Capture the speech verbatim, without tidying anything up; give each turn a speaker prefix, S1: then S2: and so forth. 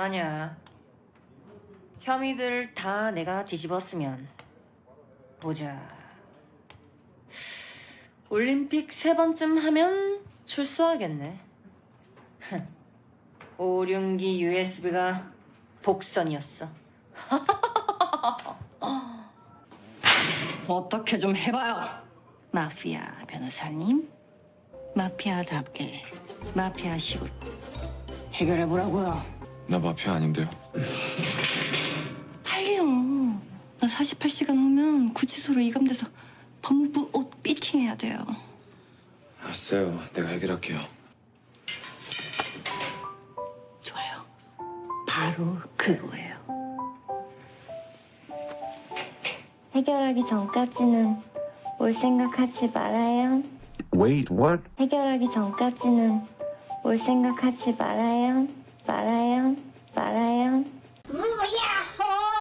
S1: 만약 혐의들 다 내가 뒤집었으면 보자. 올림픽 세 번쯤 하면 출소하겠네. 오륜기 유에스비가 복선이었어.
S2: 어떻게 좀 해봐요.
S1: 마피아 변호사님, 마피아답게 마피아식으로 해결해보라고요.
S3: 나 마피아 아닌데요.
S1: 빨리요. 나 사십팔 시간 후면 구치소로 이감돼서 법무부 옷 피팅해야 돼요.
S3: 알았어요. 내가 해결할게요.
S1: 좋아요. 바로 그거예요.
S4: 해결하기 전까지는 올 생각하지 말아요.
S5: Wait, what?
S4: 해결하기 전까지는 올 생각하지 말아요. 말아요.